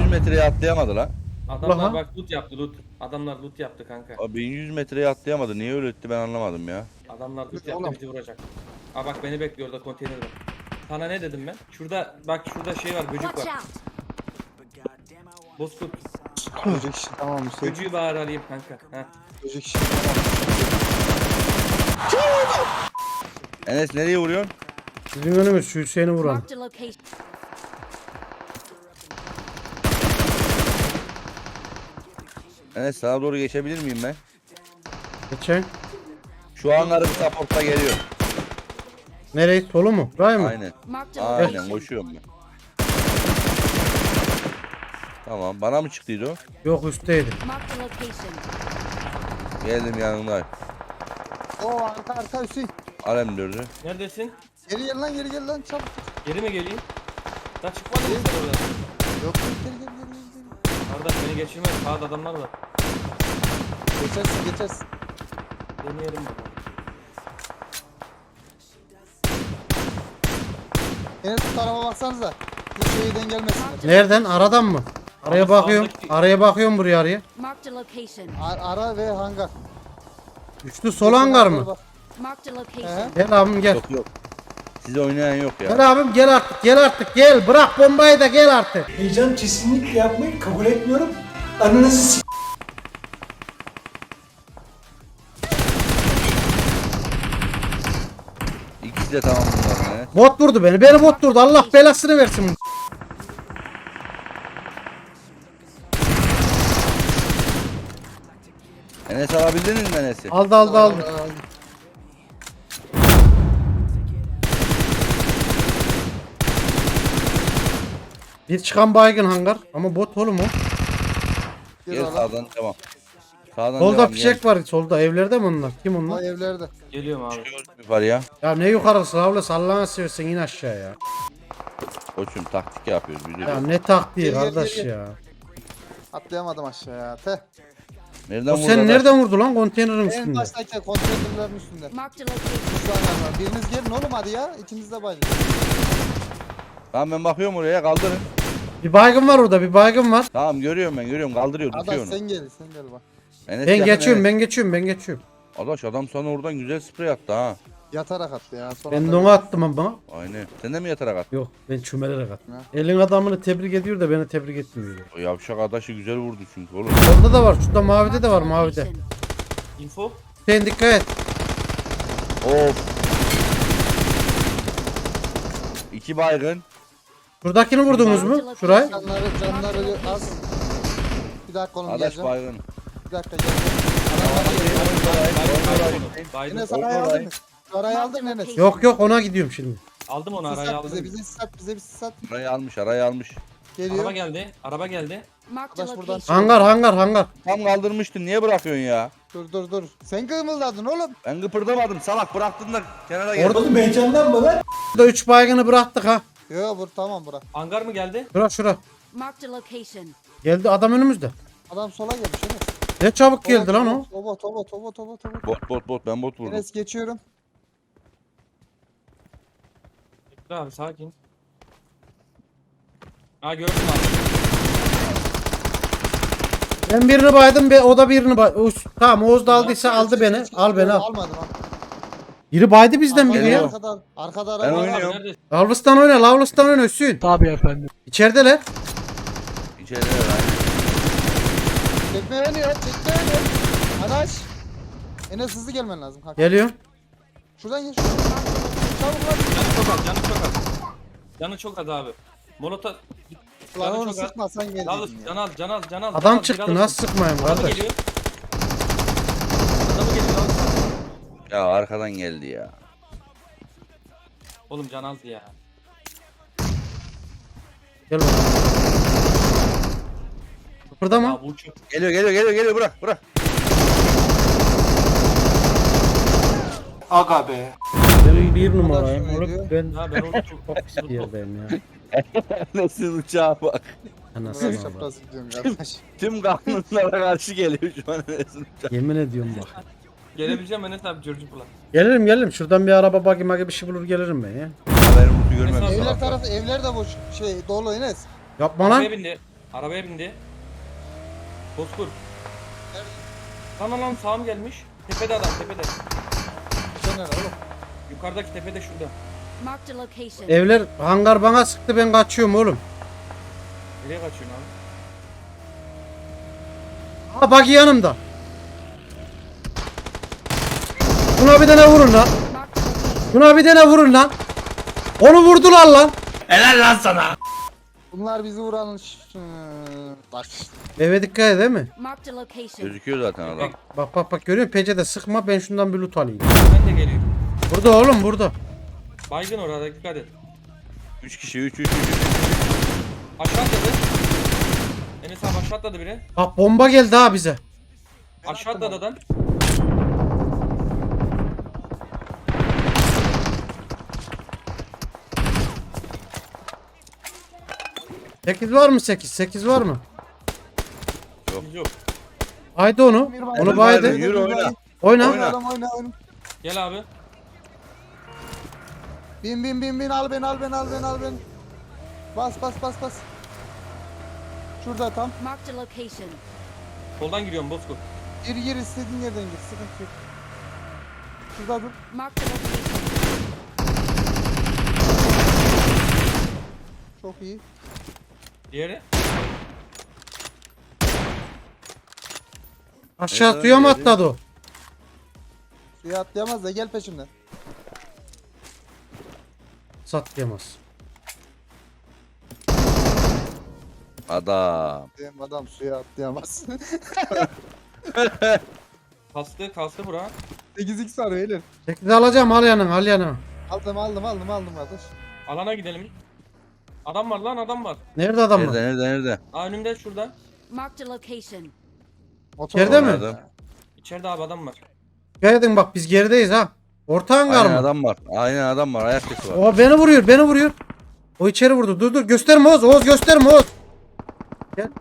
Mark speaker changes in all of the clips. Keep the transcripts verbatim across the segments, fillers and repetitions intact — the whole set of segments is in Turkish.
Speaker 1: metreye atlayamadı lan.
Speaker 2: Adamlar
Speaker 3: Ulan ha.
Speaker 2: bak loot yaptı loot. Adamlar loot yaptı kanka.
Speaker 1: Abi bin yüz metreye atlayamadı. Niye öyle etti ben anlamadım ya.
Speaker 2: Adamlar loot
Speaker 4: Oğlum.
Speaker 2: yaptı bizi vuracak. Aa bak beni bekliyor orada konteyner var. Sana ne dedim ben? Şurada bak şurada şey var böcek
Speaker 5: Watch
Speaker 2: var.
Speaker 5: out!
Speaker 2: Bozkurt.
Speaker 4: Böcek işi tamam Hüseyin.
Speaker 2: Böceği bari alayım kanka. Heh.
Speaker 4: Böcek işi tamam.
Speaker 1: Enes nereye vuruyorsun?
Speaker 3: Bizim önümüz şu Hüseyin'i vuran.
Speaker 5: Marked a location.
Speaker 1: Enes sana doğru geçebilir miyim ben?
Speaker 3: Geçen.
Speaker 1: Şu hangarı bir support'a geliyor.
Speaker 3: Nereye? Solu mu? Buraya mı?
Speaker 1: Aynen.
Speaker 5: Marked a
Speaker 1: Aynen
Speaker 5: location.
Speaker 1: koşuyorum ben. Tamam bana mı çıktıydı o?
Speaker 3: Yok üstteydi.
Speaker 5: Marked a location.
Speaker 1: Geldim yanındayım.
Speaker 4: Oo arka arka Hüseyin.
Speaker 1: Alem dördü.
Speaker 2: Neredesin?
Speaker 4: Geri gel lan geri gel lan çabuk.
Speaker 2: Geri mi geleyim? Daha çıkmadın mı sen oradan?
Speaker 4: Yok yok geri gel geri gel. geri.
Speaker 2: Kardeş beni geçirmez. Sağda adamlar var.
Speaker 4: Geçersin geçersin.
Speaker 2: Deneyelim bakalım.
Speaker 4: Enes bu tarafa baksanıza. Hiç şeyden gelmesin.
Speaker 3: Nereden? Aradan mı? Araya
Speaker 2: Abi
Speaker 3: bakıyorum.
Speaker 2: sağdaki-
Speaker 3: Araya bakıyorum buraya araya.
Speaker 5: Marked a location.
Speaker 4: Ar- ara ve hangar.
Speaker 3: Üçlü sol hangar mı?
Speaker 5: Marked a
Speaker 4: He?
Speaker 5: location.
Speaker 3: Gel abim gel.
Speaker 1: Yok yok. Size oynayan yok ya.
Speaker 3: Gel abim gel artık gel artık gel. Bırak bombayı da gel artık.
Speaker 6: Heyecan kesinlikle yapmayı kabul etmiyorum. Ananızı s***.
Speaker 1: İkisi de tamam bunların Enes.
Speaker 3: Bot vurdu beni. Beni bot vurdu. Allah belasını versin.
Speaker 1: Enes alabildiniz mi Enes'i?
Speaker 3: Aldı aldı aldı. Bir çıkan baygın hangar. Ama bot oğlum o.
Speaker 4: Gel
Speaker 1: Gel
Speaker 4: oğlum.
Speaker 1: sağdan devam. Sağdan
Speaker 3: Solda
Speaker 1: devam.
Speaker 3: fişek var. Solda evlerde mi onlar? Kim
Speaker 4: O
Speaker 3: onlar?
Speaker 4: evlerde.
Speaker 2: Geliyorum abi.
Speaker 1: Gel. Yukarıya.
Speaker 3: Ya ne yukarısı abla sallana seversen in aşağıya.
Speaker 1: Koçum taktik yapıyoruz
Speaker 3: Ya
Speaker 1: biliyorsun.
Speaker 3: ne taktiği
Speaker 4: Gel, gel,
Speaker 3: kardeş
Speaker 4: gel, gel.
Speaker 3: ya.
Speaker 4: Atlayamadım aşağıya. Teh.
Speaker 1: Nereden
Speaker 3: O
Speaker 1: vurdu?
Speaker 3: seni
Speaker 1: adam?
Speaker 3: nereden vurdu lan konteynerin
Speaker 4: En
Speaker 3: üstünde?
Speaker 4: baştaki konteynerlerin üstünde.
Speaker 5: Marked a location.
Speaker 4: Şu hangar var. Biriniz gelin oğlum hadi ya. İkiniz de bayılın.
Speaker 1: Tamam ben bakıyorum oraya kaldırın.
Speaker 3: Bir baygın var orada bir baygın var.
Speaker 1: Tamam görüyorum ben görüyorum kaldırıyor tutuyor
Speaker 4: Adaş
Speaker 1: onu.
Speaker 4: sen gel sen gel bak.
Speaker 1: Enes
Speaker 3: Ben
Speaker 1: yakın,
Speaker 3: geçiyorum
Speaker 1: Enes.
Speaker 3: ben geçiyorum ben geçiyorum.
Speaker 1: Adaş adam sana oradan güzel sprey attı ha.
Speaker 4: Yatarak attı ya. Sonra
Speaker 3: Ben
Speaker 4: da-
Speaker 3: de onu attım ama.
Speaker 1: Aynen. Sen de mi yatarak attın?
Speaker 3: Yok ben çömelerek attım.
Speaker 4: Ha.
Speaker 3: Elin adamını tebrik ediyor da beni tebrik etmiyor.
Speaker 1: O yavşak adaşı güzel vurdu çünkü oğlum.
Speaker 3: Orada da var şurada mavide de var mavide.
Speaker 5: Location.
Speaker 2: Info.
Speaker 3: Sen dikkat et.
Speaker 1: Of. İki baygın.
Speaker 3: Şuradakini vurdunuz mu? Şurayı.
Speaker 4: Canları canları az. Bir dakika oğlum
Speaker 1: Adaş
Speaker 4: geleceğim.
Speaker 1: baygın.
Speaker 4: Bir dakika geleceğim. Adamlar geliyor.
Speaker 2: Baydım.
Speaker 4: Enes
Speaker 1: Orada
Speaker 4: arayı
Speaker 1: orayı.
Speaker 4: aldın mı? Arayı aldın mı Enes?
Speaker 3: Yok yok ona gidiyorum şimdi.
Speaker 2: Aldım onu
Speaker 4: Sis
Speaker 2: araya
Speaker 4: at bize
Speaker 2: aldım.
Speaker 4: bize sis at bize bir sis at.
Speaker 1: Arayı almış arayı almış.
Speaker 4: Geliyor.
Speaker 2: Araba geldi. Araba geldi.
Speaker 5: Marked a
Speaker 4: Arkadaş buradan
Speaker 5: location.
Speaker 3: Hangar hangar hangar.
Speaker 1: Tam kaldırmıştın niye bırakıyorsun ya?
Speaker 4: Dur dur dur. Sen kımıldadın oğlum.
Speaker 1: Ben kıpırdamadım salak bıraktın da kenara gel.
Speaker 3: Orada
Speaker 6: Oğlum heyecandan mı lan?
Speaker 3: Burada üç baygını bıraktık ha.
Speaker 4: Yo bur tamam bırak.
Speaker 2: Hangar mı geldi?
Speaker 3: Şura şura.
Speaker 5: Marked a location.
Speaker 3: Geldi adam önümüzde.
Speaker 4: Adam sola gelmiş Enes.
Speaker 3: Ne çabuk geldi lan o.
Speaker 4: Toba toba toba toba toba.
Speaker 1: Bot bot bot ben bot vurdum.
Speaker 4: Enes geçiyorum.
Speaker 2: Dur abi sakin. Aa gördüm abi.
Speaker 3: Ben birini baydım be o da birini bay. Oğuz- Tamam Oğuz da aldıysa aldı
Speaker 4: Geç,
Speaker 3: beni.
Speaker 4: geç, geç.
Speaker 3: Al beni al.
Speaker 4: Almadım ha.
Speaker 3: Biri baydı bizden biri ya.
Speaker 4: Arkada arkada
Speaker 1: Ben
Speaker 4: araba var.
Speaker 1: oynuyorum.
Speaker 2: Abi, neredesin?
Speaker 3: Lavlustan oyna Lavlustan oyna Hüsnü.
Speaker 6: Tabii efendim.
Speaker 3: İçerideler.
Speaker 1: İçeride var.
Speaker 4: Çekme beni ya çekme beni. Adaş. Enes hızlı gelmen lazım kanka.
Speaker 3: Geliyor.
Speaker 4: Şuradan geç. Çabuk lan.
Speaker 2: Canı çok az. Canı çok az. Canı çok az abi. Molotov.
Speaker 4: Lan
Speaker 2: Canı
Speaker 4: onu
Speaker 2: çok az.
Speaker 4: sıkmasan
Speaker 2: Al
Speaker 4: geldin
Speaker 2: can
Speaker 4: ya.
Speaker 2: al can al can al. can
Speaker 3: Adam
Speaker 2: al,
Speaker 3: çıktı
Speaker 2: biraz-
Speaker 3: nasıl sıkmayayım
Speaker 2: Adamı
Speaker 3: kardeş.
Speaker 2: geliyor. Adamı geliyor. al.
Speaker 1: Ya arkadan geldi ya.
Speaker 2: Oğlum can az ya.
Speaker 3: Gel bakalım. Kıpırdama.
Speaker 2: Ya bu çok.
Speaker 1: Geliyor geliyor geliyor geliyor bırak bırak.
Speaker 6: Aga be.
Speaker 3: Ben bir numarayım.
Speaker 4: şöyle
Speaker 3: Oğlum
Speaker 4: diyor.
Speaker 3: ben
Speaker 2: Ha ben orada çok.
Speaker 3: çok pis bir yerdeyim ya.
Speaker 1: Nasıl uçağa bak.
Speaker 3: Anasını
Speaker 4: Biraz
Speaker 3: bak.
Speaker 4: çapraz gidiyorum kardeş.
Speaker 1: Tüm kanunlara karşı geliyor şu an Enes'in uçağı.
Speaker 3: Yemin ediyorum bak.
Speaker 2: Gelebileceğim Enes abi George Bull'a.
Speaker 3: Gelirim gelirim. Şuradan bir araba bagi magi bir şey bulur gelirim ben ya.
Speaker 1: Haberim uçu görmemiş.
Speaker 2: Mesela-
Speaker 4: Evler
Speaker 1: salak.
Speaker 4: tarafı evler de boş şey dolu Enes.
Speaker 3: Yapma
Speaker 2: Arabaya
Speaker 3: lan.
Speaker 2: bindi. Arabaya bindi. Bozkurt. Lan lan lan sağım gelmiş. Tepede adam tepede.
Speaker 4: Sen nerede oğlum?
Speaker 2: Yukarıdaki tepede şurada.
Speaker 5: Marked a location.
Speaker 3: Evler hangar bana sıktı, ben kaçıyorum oğlum.
Speaker 2: Nereye kaçıyorsun abi?
Speaker 3: Ha bak yanımda. Buna bir tane vurun lan.
Speaker 5: Marked a location.
Speaker 3: Buna bir tane vurun lan. Onu vurdular lan.
Speaker 4: Bunlar bizi vuran... Hı, Bak.
Speaker 3: Eve dikkat et değil mi?
Speaker 5: Marked a location.
Speaker 1: Gözüküyor zaten adam.
Speaker 3: Bak bak bak görüyor musun? Pencede sıkma, ben şundan bir loot alayım.
Speaker 2: Ben de geliyorum.
Speaker 3: Burada oğlum burada.
Speaker 2: Baygın orada dikkat et.
Speaker 1: üç kişi üç üç üç.
Speaker 2: Aşağı atladı. Enes abi aşağı atladı biri.
Speaker 3: Bak bomba geldi ha bize.
Speaker 2: Aşağı atladı adam.
Speaker 3: sekiz var mı sekiz? sekiz var mı?
Speaker 2: Biz yok.
Speaker 3: Haydi onu.
Speaker 4: Bir
Speaker 3: Onu
Speaker 4: baydı,
Speaker 3: baydı.
Speaker 1: Yürü oyna.
Speaker 3: Oyna.
Speaker 1: Oyna.
Speaker 4: Adam oyna oyna.
Speaker 2: Gel abi.
Speaker 4: Bin bin bin bin al beni al beni al beni al beni. Bas bas bas bas. Şurada tam.
Speaker 5: Marked a location.
Speaker 2: Soldan giriyorum Bozkurt.
Speaker 4: Gir gir istediğin yerden gir. Sıkıntı yok. Şurada dur.
Speaker 5: Marked a location.
Speaker 4: Çok iyi.
Speaker 2: Diğeri.
Speaker 3: Aşağı
Speaker 1: Evet,
Speaker 3: suya mı
Speaker 1: öyle.
Speaker 3: atladı o?
Speaker 4: Suya atlayamaz da gel peşimden.
Speaker 3: Satlayamaz.
Speaker 1: Adam.
Speaker 4: Benim adam suya atlayamaz.
Speaker 2: Kastı kastı bura.
Speaker 4: sekiz x var beyler.
Speaker 3: sekiz alacağım, al yanına al yanına.
Speaker 4: Aldım aldım aldım aldım kardeş.
Speaker 2: Alana gidelim. Adam var lan adam var.
Speaker 3: Nerede adam
Speaker 1: Nerede
Speaker 3: var?
Speaker 1: nerede nerede?
Speaker 2: Aa önümde şurada.
Speaker 5: Marked a location.
Speaker 4: Motor
Speaker 3: İçeride
Speaker 4: var.
Speaker 3: mi?
Speaker 1: Adam.
Speaker 2: İçeride abi adam var.
Speaker 3: Geldin bak, biz gerideyiz ha. Orta hangar
Speaker 1: Aynen
Speaker 3: mı?
Speaker 1: adam var. Aynen adam var. Ayak sesi var.
Speaker 3: O beni vuruyor, beni vuruyor. O içeri vurdu. Dur dur, gösterme Oğuz. Oğuz gösterme Oğuz. Gel.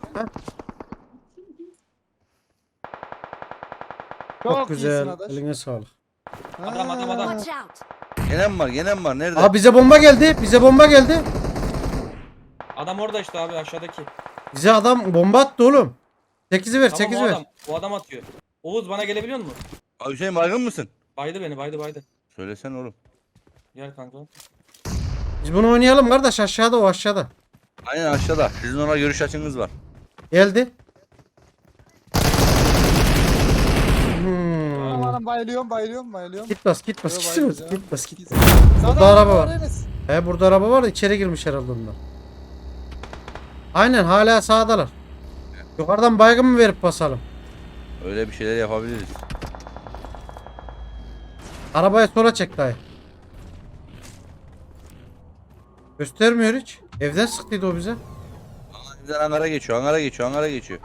Speaker 3: Çok,
Speaker 4: Çok
Speaker 3: güzel.
Speaker 4: iyisin adaş.
Speaker 3: Eline sağlık.
Speaker 2: Adam, adam, adam.
Speaker 5: Watch out.
Speaker 1: Gene mi var? Gene mi var? Nerede?
Speaker 3: Aa bize bomba geldi. Bize bomba geldi.
Speaker 2: Adam orada işte abi aşağıdaki.
Speaker 3: Bize adam bomba attı oğlum. sekizi ver,
Speaker 2: Tamam
Speaker 3: sekizi
Speaker 2: o
Speaker 3: ver.
Speaker 2: adam. O adam atıyor. Oğuz bana gelebiliyor musun?
Speaker 1: Abi Hüseyin baygın mısın?
Speaker 2: Baydı beni baydı baydı.
Speaker 1: Söylesene oğlum.
Speaker 2: Gel kanka.
Speaker 3: Biz bunu oynayalım kardeş, aşağıda o aşağıda.
Speaker 1: Aynen aşağıda. Sizin ona görüş açınız var.
Speaker 3: Geldi. Hmm.
Speaker 4: Tamam anam bayılıyorum bayılıyorum bayılıyorum.
Speaker 3: Git bas, git bas,
Speaker 4: Yo,
Speaker 3: git bas,
Speaker 4: bayılacağım.
Speaker 3: git bas, git.
Speaker 4: Sana
Speaker 3: Burada araba var.
Speaker 4: Enes.
Speaker 3: He burada araba var da içeri girmiş herhalde onlar. Aynen hala sağdalar. Yukarıdan baygın mı verip basalım?
Speaker 1: Öyle bir şeyler yapabiliriz.
Speaker 3: Arabayı sola çek dayı. Göstermiyor hiç. Evden sıktıydı o bize.
Speaker 1: Bizden hangara geçiyor. Hangara geçiyor. Hangara geçiyor.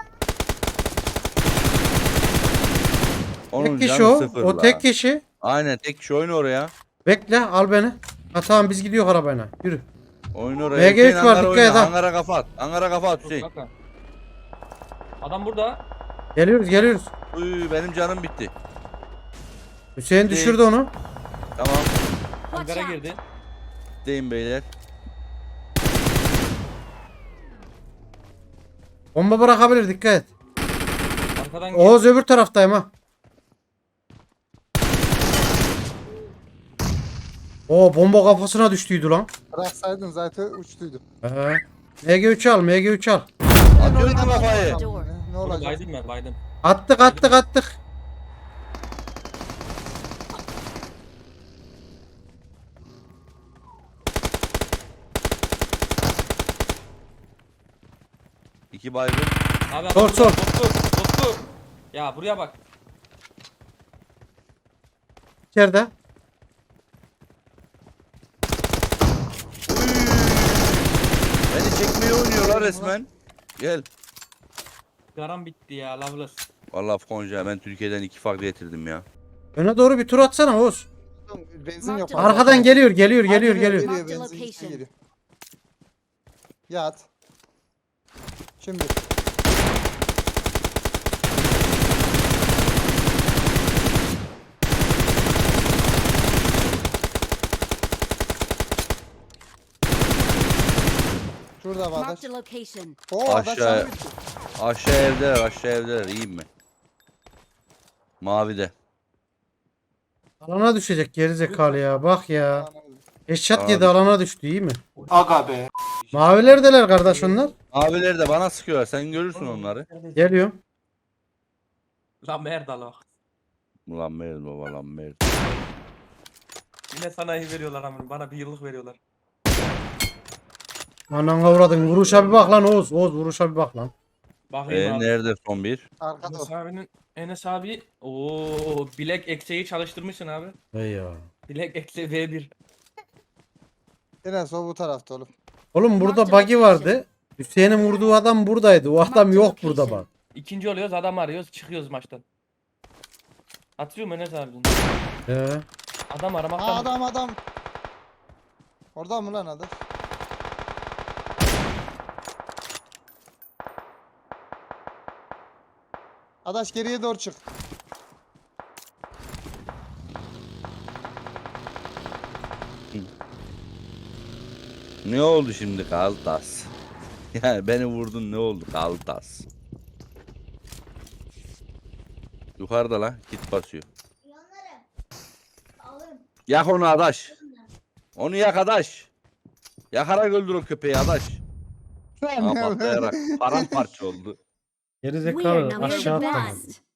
Speaker 1: Onun
Speaker 3: Tek kişi
Speaker 1: canı
Speaker 3: o.
Speaker 1: sıfır
Speaker 3: O
Speaker 1: la.
Speaker 3: tek kişi.
Speaker 1: Aynen tek kişi oyun oraya.
Speaker 3: Bekle al beni. Ha tamam biz gidiyor arabayla. Yürü.
Speaker 1: Oyun oraya.
Speaker 3: M G üç
Speaker 1: Hüseyin,
Speaker 3: var,
Speaker 1: hangara
Speaker 3: dikkat et
Speaker 1: oyna.
Speaker 3: ha.
Speaker 1: Hangara kafa at. Hangara kafa at
Speaker 2: Dur,
Speaker 1: Hüseyin.
Speaker 2: kanka. Adam burada.
Speaker 3: Geliyoruz geliyoruz.
Speaker 1: Uy, benim canım bitti.
Speaker 3: Hüseyin
Speaker 1: Değil.
Speaker 3: düşürdü onu.
Speaker 1: Tamam.
Speaker 5: Watch
Speaker 2: Hangara
Speaker 5: out.
Speaker 2: girdi.
Speaker 1: Deyim beyler.
Speaker 3: Bomba bırakabilir, dikkat et.
Speaker 2: Arkadan girdi.
Speaker 3: Oğuz öbür taraftayım ha. Oo bomba kafasına düştüydü lan.
Speaker 4: Bıraksaydın zaten uçtuydu.
Speaker 3: Ee, M G üç al, M G üç al.
Speaker 1: Atıyoruz mu kafayı?
Speaker 5: Door.
Speaker 4: Ne
Speaker 2: Oğlum
Speaker 4: olacak?
Speaker 2: baydım ben baydım.
Speaker 3: Attık attık attık.
Speaker 1: İki baygın.
Speaker 2: Abi
Speaker 3: Sor,
Speaker 2: adam
Speaker 3: sor.
Speaker 2: burada. Bozkurt. Bozkurt. Ya buraya bak.
Speaker 3: İçeride.
Speaker 1: Beni çekmeye oynuyorlar resmen. Gel.
Speaker 2: Garam bitti ya Loveless.
Speaker 1: Vallahi Konca ben Türkiye'den iki farklı getirdim ya.
Speaker 3: Öne doğru bir tur atsana Oğuz.
Speaker 4: Benzin yok.
Speaker 5: Arkadan
Speaker 3: Arkadan geliyor geliyor
Speaker 4: Ha,
Speaker 3: geliyor geliyor.
Speaker 4: Geliyor
Speaker 5: Mark the
Speaker 4: benzin işte
Speaker 5: location.
Speaker 4: geliyor. Yat. Şimdi. Şurada Şurada Bağdaş.
Speaker 5: Marked a location.
Speaker 4: Oo Adaş
Speaker 1: Aşağı-
Speaker 4: sana gitti.
Speaker 1: Aşağı evdeler aşağı evdeler iyiyim mi? Mavide.
Speaker 3: Alana düşecek gerizekalı ya. Bak ya. Eşat
Speaker 1: Abi.
Speaker 3: yedi alana düştü iyi mi?
Speaker 6: Aga be.
Speaker 3: Mavilerdeler kardeş onlar.
Speaker 1: Maviler de bana sıkıyorlar sen görürsün onları.
Speaker 3: Geliyorum.
Speaker 2: Lan Merdal
Speaker 1: Ulan Mert baba lan Mert.
Speaker 2: Yine sanayi veriyorlar amına. Bana bir yıllık veriyorlar.
Speaker 3: Anana uğradın. Vuruşa bir bak lan Oğuz. Oğuz vuruşa bir bak lan.
Speaker 2: Bakayım
Speaker 1: Ee,
Speaker 2: abi.
Speaker 1: nerede son bir?
Speaker 4: Arkada o.
Speaker 2: Enes abinin Enes abi ooo bilek ekseği çalıştırmışsın abi.
Speaker 3: Ey ya.
Speaker 2: Bilek ekse V bir.
Speaker 4: Enes o bu tarafta oğlum.
Speaker 3: Oğlum burada buggy vardı. Hüseyin'in vurduğu adam buradaydı. O adam yok burada bak.
Speaker 2: İkinci oluyoruz adam arıyoruz çıkıyoruz maçtan. Atıyor mu Enes abinin?
Speaker 3: Ee,
Speaker 2: Adam
Speaker 4: Ha
Speaker 2: aramaktan.
Speaker 4: adam adam. Orada mı lan Adaş? Adaş geriye doğru çık.
Speaker 1: Ne oldu şimdi Kaltas? Yani beni vurdun ne oldu Kaltas? Yukarıda lan git basıyor. Yak onu adaş. Onu yak adaş. Yakarak öldür o köpeği adaş. Aa, patlayarak paramparça oldu.
Speaker 5: We are
Speaker 3: gerizekalı
Speaker 5: number
Speaker 3: aşağı
Speaker 5: the
Speaker 3: atladı.
Speaker 5: best.